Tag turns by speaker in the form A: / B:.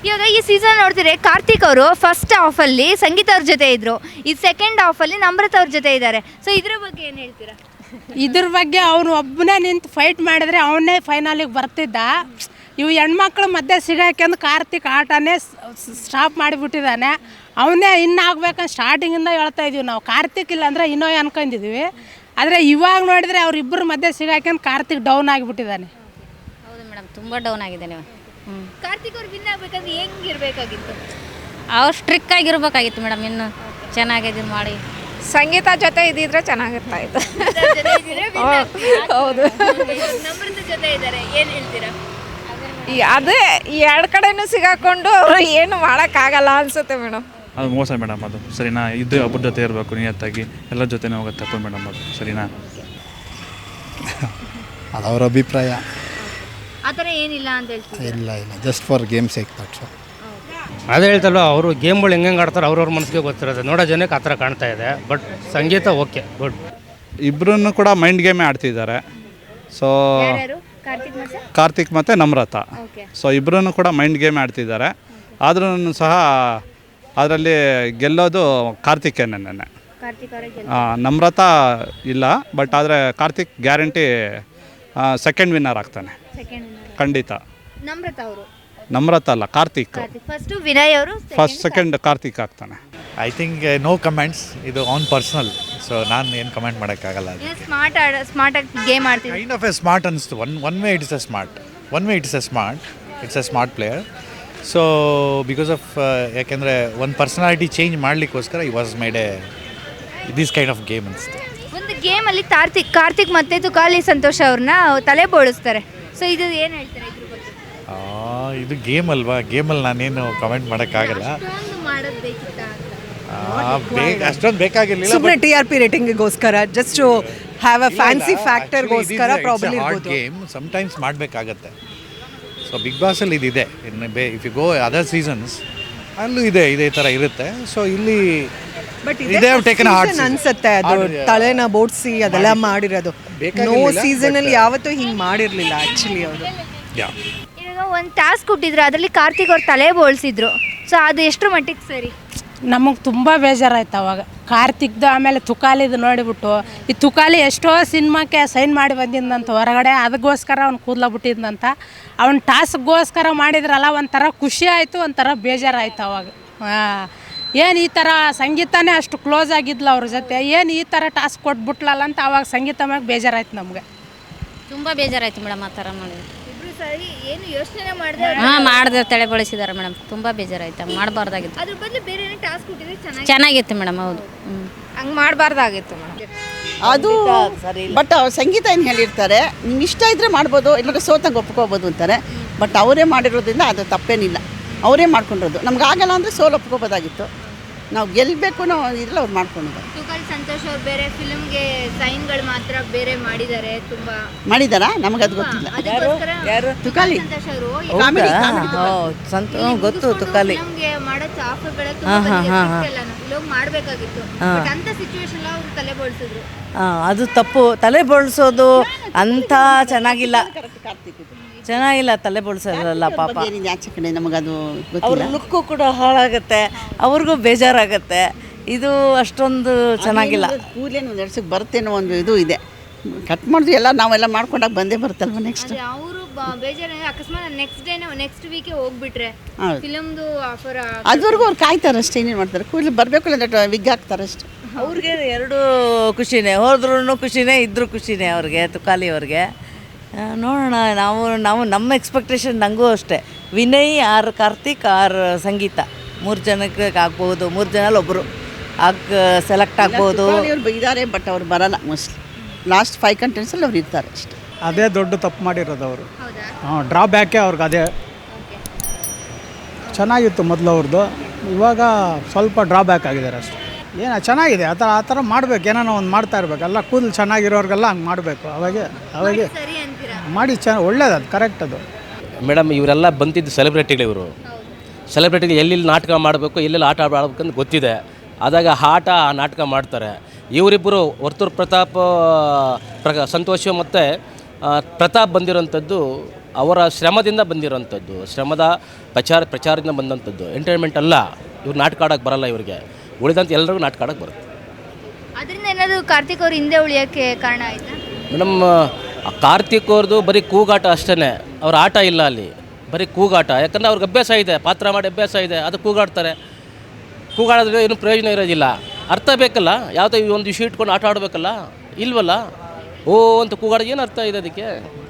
A: ಇವಾಗ ಈ ಸೀಸನ್ ನೋಡ್ತೀರಿ ಕಾರ್ತಿಕ್ ಅವರು ಫಸ್ಟ್ ಹಾಫಲ್ಲಿ ಸಂಗೀತ ಅವ್ರ ಜೊತೆ ಇದ್ರು, ಈ ಸೆಕೆಂಡ್ ಹಾಫಲ್ಲಿ ನಮ್ರತ ಅವ್ರ ಜೊತೆ ಇದ್ದಾರೆ. ಸೊ ಇದ್ರ ಬಗ್ಗೆ ಏನು ಹೇಳ್ತೀರಾ?
B: ಇದ್ರ ಬಗ್ಗೆ ಅವನು ಒಬ್ಬನೇ ನಿಂತು ಫೈಟ್ ಮಾಡಿದ್ರೆ ಅವನೇ ಫೈನಲಿಗೆ ಬರ್ತಿದ್ದ. ಇವು ಹೆಣ್ಮಕ್ಳು ಮಧ್ಯೆ ಸಿಗಾಕೆಂದು ಕಾರ್ತಿಕ್ ಆಟನೇ ಸ್ಟಾಪ್ ಮಾಡಿಬಿಟ್ಟಿದ್ದಾನೆ. ಅವನೇ ಇನ್ನಾಗಬೇಕಂತ ಸ್ಟಾರ್ಟಿಂಗಿಂದ ಹೇಳ್ತಾ ಇದೀವಿ ನಾವು. ಕಾರ್ತಿಕ್ ಇಲ್ಲ ಅಂದರೆ ಇನ್ನೋ ಅನ್ಕೊಂಡಿದ್ವಿ. ಆದರೆ ಇವಾಗ ನೋಡಿದರೆ ಅವರಿಬ್ಬರ ಮಧ್ಯೆ ಸಿಗಾಕೆಂದು ಕಾರ್ತಿಕ್ ಡೌನ್ ಆಗಿಬಿಟ್ಟಿದ್ದಾನೆ.
C: ಹೌದು ಮೇಡಮ್, ತುಂಬ ಡೌನ್ ಆಗಿದೆ ನೀವು.
A: ಕಾರ್ತಿಕ್ ಅವ್ರು ವಿನ್ ಆಗ್ಬೇಕಂದ್ರೆ ಹೆಂಗಿರ್ಬೇಕಾಗಿತ್ತು?
C: ಅವ್ರು ಸ್ಟ್ರಿಕ್ ಆಗಿರ್ಬೇಕಾಗಿತ್ತು ಮೇಡಮ್, ಇನ್ನು ಚೆನ್ನಾಗಿ ಇದು ಮಾಡಿ.
D: ಸಂಗೀತ ಜೊತೆ ಇದ್ದಿದ್ರೆ ಚೆನ್ನಾಗಿರ್ತಾ ಇತ್ತು. ಹೌದು,
A: ನಮ್ರತ ಜೊತೆ ಇದ್ದಾರೆ, ಏನು ಹೇಳ್ತೀರಾ?
D: ಅದೇ ಈ ಎರಡು ಕಡೆನೂ ಸಿಗಾಕೊಂಡು ಅವರು ಏನು ಮಾಡೋಕ್ಕಾಗಲ್ಲ ಅನ್ಸುತ್ತೆ ಮೇಡಮ್.
E: ಅದು ಮೋಸ ಮೇಡಮ್, ಅದು ಸರಿನಾ? ಇದು ಒಬ್ಬರ ಜೊತೆ ಇರಬೇಕು ನಿಯತ್ತಾಗಿ, ಎಲ್ಲರ ಜೊತೆನೇ ಹೋಗುತ್ತೆ ತಪ್ಪು ಮೇಡಮ್, ಅದು ಸರಿನಾ?
F: ಅದು ಅವ್ರ ಅಭಿಪ್ರಾಯ.
A: ಆ ಥರ ಏನಿಲ್ಲ ಅಂತ ಹೇಳ್ತೀವಿ.
F: ಇಲ್ಲ just for game sake that's all.
G: ಅದೇ ಹೇಳ್ತಲ್ವ, ಅವರು ಗೇಮ್ಗಳು ಹೆಂಗೆ ಆಡ್ತಾರೆ ಅವ್ರವ್ರ ಮನಸ್ಸಿಗೆ ಗೊತ್ತಿರೋದು. ನೋಡೋ ಜನಕ್ಕೆ ಆ ಥರ ಕಾಣ್ತಾ ಇದೆ. But Sangeetha okay, good.
H: ಇಬ್ಬರೂ ಕೂಡ ಮೈಂಡ್ ಗೇಮೇ ಆಡ್ತಿದ್ದಾರೆ. ಸೊ ಕಾರ್ತಿಕ್ ಮತ್ತು ನಮ್ರತ, ಸೊ ಇಬ್ಬರೂ ಕೂಡ ಮೈಂಡ್ ಗೇಮ್ ಆಡ್ತಿದ್ದಾರೆ. ಆದ್ರೂ ಸಹ ಅದರಲ್ಲಿ ಗೆಲ್ಲೋದು ಕಾರ್ತಿಕೇನೆ. ನಮ್ರತ ಇಲ್ಲ, ಬಟ್ ಆದರೆ ಕಾರ್ತಿಕ್ ಗ್ಯಾರಂಟಿ ಸೆಕೆಂಡ್ ವಿನ್ನರ್ ಆಗ್ತಾನೆ ಖಂಡಿತ. ನಮ್ರತ ಅಲ್ಲ, ಕಾರ್ತಿಕ್
A: ಫಸ್ಟ್ ವಿನಯ್ ಅವರು,
H: ಫಸ್ಟ್ ಸೆಕೆಂಡ್ ಕಾರ್ತಿಕ್ ಆಗ್ತಾನೆ.
I: ಐ ಥಿಂಕ್ ನೋ ಕಮೆಂಟ್ಸ್, ಇದು ಆನ್ ಪರ್ಸನಲ್. ಸೊ ನಾನು ಏನು ಕಮೆಂಟ್ ಮಾಡೋಕ್ಕಾಗಲ್ಲ.
A: ಸ್ಮಾರ್ಟಾಗಿ ಗೇಮ್ ಆಡ್ತೀವಿ.
I: ಕೈಂಡ್ ಆಫ್ ಎ ಸ್ಮಾರ್ಟ್ ಅನಿಸ್ತು. One way it's a smart player. So because of ಯಾಕೆಂದರೆ ಒಂದು ಪರ್ಸನಾಲಿಟಿ ಚೇಂಜ್ ಮಾಡಲಿಕ್ಕೋಸ್ಕರ ಈ was made a this kind of game ಅನಿಸ್ತು.
A: ಒಂದು ಗೇಮಲ್ಲಿ ಕಾರ್ತಿಕ್ ಮತ್ತು ತುಕಾಲಿ ಸಂತೋಷ್ ಅವ್ರನ್ನ ತಲೆ ಬೋಳಿಸ್ತಾರೆ. ಸೊ ಇದು ಏನು ಹೇಳ್ತಾರೆ ಇದ್ರ ಬಗ್ಗೆ?
I: ಇದು ಗೇಮ್ ಅಲ್ವಾ, ಗೇಮಲ್ಲಿ ನಾನೇನು ಕಮೆಂಟ್ ಮಾಡೋಕ್ಕಾಗಲ್ಲ. ಅಷ್ಟೊಂದು ಬೇಕಾಗಿರಲಿಲ್ಲ.
J: ಸುಮ್ಮನೆ TRP ರೇಟಿಂಗಿಗೋಸ್ಕರ, just to have a fancy ಫ್ಯಾಕ್ಟರ್ಗೋಸ್ಕರ ಪ್ರಾಬ್ಲಮ್ ಇರ್ಬೋದು.
I: ಗೇಮ್ ಸಮಟೈಮ್ಸ್ ಮಾಡಬೇಕಾಗತ್ತೆ. ಸೊ ಬಿಗ್ ಬಾಸಲ್ಲಿ ಇದಿದೆ. ಇನ್ನು if you go other seasons ಅಲ್ಲೂ ಇದೇ ಥರ ಇರುತ್ತೆ. ಸೊ ಇಲ್ಲಿ
J: ಬಟ್ ಅನ್ಸುತ್ತೆ ಅದು ತಲೆನ ಬೋಡ್ಸಿ ಅದೆಲ್ಲ ಮಾಡಿರೋದು. ನೋ ಸೀಸನಲ್ಲಿ ಯಾವತ್ತೂ ಹಿಂಗೆ ಮಾಡಿರಲಿಲ್ಲ ಆ್ಯಕ್ಚುಲಿ ಅವರು.
A: ಇವಾಗ ಒಂದು ಟಾಸ್ಕ್ ಕೊಟ್ಟಿದ್ರು, ಅದರಲ್ಲಿ ಕಾರ್ತಿಕ್ ಅವ್ರ ತಲೆ ಬೋಳ್ಸಿದ್ರು. ಸೊ ಅದು ಎಷ್ಟು ಮಟ್ಟಿಗೆ ಸರಿ?
B: ನಮಗೆ ತುಂಬ ಬೇಜಾರಾಯ್ತು ಅವಾಗ ಕಾರ್ತಿಕ್ದು. ಆಮೇಲೆ ತುಕಾಲಿದು ನೋಡಿಬಿಟ್ಟು, ಈ ತುಕಾಲಿ ಎಷ್ಟೋ ಸಿನಿಮಾಕ್ಕೆ ಸೈನ್ ಮಾಡಿ ಬಂದಿದ್ದಂತ ಹೊರಗಡೆ, ಅದಕ್ಕೋಸ್ಕರ ಅವ್ನು ಕೂದಲಾಗ್ಬಿಟ್ಟಿದ್ದಂತ. ಅವ್ನು ಟಾಸ್ಕ್ಗೋಸ್ಕರ ಮಾಡಿದ್ರಲ್ಲ, ಒಂಥರ ಖುಷಿ ಆಯಿತು, ಒಂಥರ ಬೇಜಾರಾಯ್ತು ಅವಾಗ. ಏನು ಈ ಥರ ಸಂಗೀತನೇ ಅಷ್ಟು ಕ್ಲೋಸ್ ಆಗಿದ್ಲ ಅವ್ರ ಜೊತೆ, ಏನು ಈ ಥರ ಟಾಸ್ಕ್ ಕೊಟ್ಬಿಟ್ಲಲ್ಲ ಅಂತ ಅವಾಗ ಸಂಗೀತ ಮ್ಯಾಗ ಬೇಜಾರಾಯ್ತು ನಮಗೆ.
C: ತುಂಬ ಬೇಜಾರಾಯ್ತು ಮೇಡಮ್ ಆ ಥರ ಮಾಡಿದ್ರು.
A: ಏನು ಯೋಚನೆ ಮಾಡಿದೆ?
C: ಮಾಡಿದ್ರೆ ತಲೆ ಬಳಸಿದ್ದಾರೆ ಮೇಡಮ್, ತುಂಬ ಬೇಜಾರಾಯ್ತು. ಮಾಡಬಾರ್ದಾಗಿತ್ತು.
A: ಅದ್ರ ಬದಲು ಬೇರೆ ಟಾಸ್ಕ್ ಕೊಟ್ಟಿದ್ರೆ
C: ಚೆನ್ನಾಗಿತ್ತು ಮೇಡಮ್. ಹೌದು,
D: ಹಂಗೆ ಮಾಡಬಾರ್ದಾಗಿತ್ತು ಮೇಡಮ್.
K: ಅದು ಬಟ್ ಸಂಗೀತ ಏನು ಹೇಳಿರ್ತಾರೆ, ನಿಮ್ಗೆ ಇಷ್ಟ ಇದ್ದರೆ ಮಾಡ್ಬೋದು, ಇಲ್ಲಾಂದ್ರೆ ಸೋತಂಗೆ ಒಪ್ಕೋಬೋದು ಅಂತಾರೆ. ಬಟ್ ಅವರೇ ಮಾಡಿರೋದ್ರಿಂದ ಅದು ತಪ್ಪೇನಿಲ್ಲ, ಅವರೇ ಮಾಡ್ಕೊಂಡಿರೋದು. ನಮ್ಗೆ ಆಗಲ್ಲ ಅಂದರೆ ಸೋಲು ಒಪ್ಕೋಬೋದಾಗಿತ್ತು. ನಾವು ಗೆಲ್ಲಬೇಕು ನಾವು ಇದ್ರಲ್ಲಿ ಅವ್ರು ಮಾಡ್ಕೊಂಡಿದ್ದಾರೆ.
A: ತುಕಾಲಿ ಸಂತೋಷ್ ಅವ್ರು ಬೇರೆ ಫಿಲ್ಮ್ಗೆ ಸೈನ್ಗಳು ಮಾತ್ರ ಬೇರೆ ಮಾಡಿದ್ದಾರೆ, ತುಂಬ
K: ಮಾಡಿದಾರಾ? ನಮಗೆ ಅದು ಗೊತ್ತಿಲ್ಲ. ತುಕಾಲಿ
A: ಸಂತೋಷ್ ಅವರು
K: ಗೊತ್ತು. ತುಕಾಲಿ
A: ಫಿಲ್ಮ್ಗೆ ಮಾಡೋ ಆಫರ್ಗಳ ತುಂಬ ಮಾಡಬೇಕಾಗಿತ್ತು. ಬಟ್ ಅಂತ ಸಿಚುವೇಶನ್ ಅವ್ರು ತಲೆ ಬೋಳ್ಸಿದ್ರು.
K: ಅದು ತಪ್ಪು. ತಲೆ ಬೋಳ್ಸೋದು ಅಂತ ಚೆನ್ನಾಗಿಲ್ಲ ತಲೆ ಬೋಳ್ಸೋದಲ್ಲ ಪಾಪ. ಆಚೆ ಕಡೆ ನಮಗದು ಅವ್ರ ಲುಕ್ಕು ಕೂಡ ಹಾಳಾಗುತ್ತೆ, ಅವ್ರಿಗೂ ಬೇಜಾರಾಗುತ್ತೆ. ಇದು ಅಷ್ಟೊಂದು ಚೆನ್ನಾಗಿಲ್ಲ. ಕೂದಲೇನು ಒಂದು ಎಡ್ಸಕ್ಕೆ ಬರ್ತೇನೋ ಒಂದು ಇದು ಇದೆ. ಕಟ್ ಮಾಡಿದ್ವಿ ಎಲ್ಲ ನಾವೆಲ್ಲ ಮಾಡ್ಕೊಂಡಾಗ ಬಂದೇ ಬರುತ್ತಲ್ವ ನೆಕ್ಸ್ಟ್.
A: ಅವರು ಬೇಜಾರ ಅಕಸ್ಮಾತ್ ನೆಕ್ಸ್ಟ್ ವೀಕೆ ಹೋಗ್ಬಿಟ್ರೆ ಫಿಲಮ್ದು ಆಫರ್
K: ಅದುವರೆಗೂ ಅವ್ರು ಕಾಯ್ತಾರೆ ಅಷ್ಟೇ. ಏನೇನು ಮಾಡ್ತಾರೆ, ಕೂದಲು ಬರಬೇಕು ಇಲ್ಲ ವಿಗ್ ಹಾಕ್ತಾರೆ ಅಷ್ಟೇ. ಅವ್ರಿಗೆ ಎರಡು ಖುಷಿನೇ, ಹೋದ್ರೂ ಖುಷಿನೇ, ಇದ್ರೂ ಖುಷಿನೇ ಅವ್ರಿಗೆ, ತುಕಾಲಿ ಅವ್ರಿಗೆ. ನೋಡೋಣ, ನಾವು ನಮ್ಮ ಎಕ್ಸ್ಪೆಕ್ಟೇಷನ್. ನನಗೂ ಅಷ್ಟೇ, ವಿನಯ್ ಆರ್ ಕಾರ್ತಿಕ್ ಆರ್ ಸಂಗೀತ 3 ಜನಕ್ಕೆ ಆಗ್ಬೋದು. 3 ಜನಲ್ಲಿ ಒಬ್ಬರು ಸೆಲೆಕ್ಟ್ ಆಗ್ಬೋದು. ಅವ್ರು ಇದ್ದಾರೆ, ಬಟ್ ಅವ್ರು ಬರಲ್ಲ ಮೋಸ್ಟ್ಲಿ. ಲಾಸ್ಟ್ 5 ಕಂಟೆಂಟ್ಸಲ್ಲಿ ಅವ್ರು ಇರ್ತಾರೆ ಅಷ್ಟೇ.
F: ಅದೇ ದೊಡ್ಡ ತಪ್ಪು ಮಾಡಿರೋದು ಅವರು. ಡ್ರಾಬ್ಯಾಕೆ ಅವ್ರಿಗೆ ಅದೇ. ಚೆನ್ನಾಗಿತ್ತು ಮೊದಲು ಅವ್ರದ್ದು, ಇವಾಗ ಸ್ವಲ್ಪ ಡ್ರಾಬ್ಯಾಕ್ ಆಗಿದ್ದಾರೆ ಅಷ್ಟೇ. ಏನೋ ಚೆನ್ನಾಗಿದೆ, ಆ ಥರ ಮಾಡಬೇಕು. ಏನೋ ಒಂದು ಮಾಡ್ತಾ ಇರಬೇಕು. ಎಲ್ಲ ಕೂದಲು ಚೆನ್ನಾಗಿರೋರಿಗೆಲ್ಲ ಹಂಗೆ ಮಾಡಬೇಕು. ಅವಾಗೆ ಮಾಡಿ ಒಳ್ಳೇದು, ಅದು ಕರೆಕ್ಟ್. ಅದು
G: ಮೇಡಮ್, ಇವರೆಲ್ಲ ಬಂದಿದ್ದು ಸೆಲೆಬ್ರಿಟಿಗಳು. ಇವರು ಸೆಲೆಬ್ರಿಟಿಗಳು ಎಲ್ಲೆಲ್ಲಿ ನಾಟಕ ಮಾಡಬೇಕು, ಎಲ್ಲೆಲ್ಲಿ ಆಟ ಆಡಬೇಕಂತ ಗೊತ್ತಿದೆ. ಆದಾಗ ಆ ನಾಟಕ ಮಾಡ್ತಾರೆ. ಇವರಿಬ್ಬರು ವರ್ತೂರ್ ಪ್ರತಾಪ್ ಸಂತೋಷ್ ಮತ್ತು ಪ್ರತಾಪ್ ಬಂದಿರೋಂಥದ್ದು ಅವರ ಶ್ರಮದಿಂದ ಬಂದಿರೋಂಥದ್ದು, ಶ್ರಮದ ಪ್ರಚಾರದಿಂದ ಬಂದಂಥದ್ದು. ಎಂಟರ್ಟೈನ್ಮೆಂಟ್ ಅಲ್ಲ. ಇವ್ರು ನಾಟಕ ಆಡೋಕ್ಕೆ ಬರಲ್ಲ ಇವರಿಗೆ, ಉಳಿದಂಥ ಎಲ್ಲರಿಗೂ ನಾಟಕ ಆಡೋಕ್ಕೆ ಬರುತ್ತೆ.
A: ಅದರಿಂದ ಏನಾದರೂ ಕಾರ್ತಿಕ್ ಅವರು ಹಿಂದೆ ಉಳಿಯೋಕ್ಕೆ ಕಾರಣ ಆಯಿತಾ?
G: ಮೇಡಮ್, ಕಾರ್ತಿಕ್ ಅವ್ರದ್ದು ಬರೀ ಕೂಗಾಟ ಅಷ್ಟೇ, ಅವ್ರ ಆಟ ಇಲ್ಲ ಅಲ್ಲಿ, ಬರೀ ಕೂಗಾಟ. ಯಾಕಂದರೆ ಅವ್ರಿಗೆ ಅಭ್ಯಾಸ ಇದೆ, ಪಾತ್ರ ಮಾಡಿ ಅಭ್ಯಾಸ ಇದೆ, ಅದು ಕೂಗಾಡ್ತಾರೆ. ಕೂಗಾಡಿದ್ರೆ ಏನು ಪ್ರಯೋಜನ ಇರೋದಿಲ್ಲ. ಅರ್ಥ ಬೇಕಲ್ಲ, ಯಾವುದೋ ಒಂದು ವಿಷಯ ಇಟ್ಕೊಂಡು ಆಟ ಆಡಬೇಕಲ್ಲ, ಇಲ್ವಲ್ಲ. ಓ ಅಂತ ಕೂಗಾಡೋದು ಏನು ಅರ್ಥ ಇದೆ ಅದಕ್ಕೆ?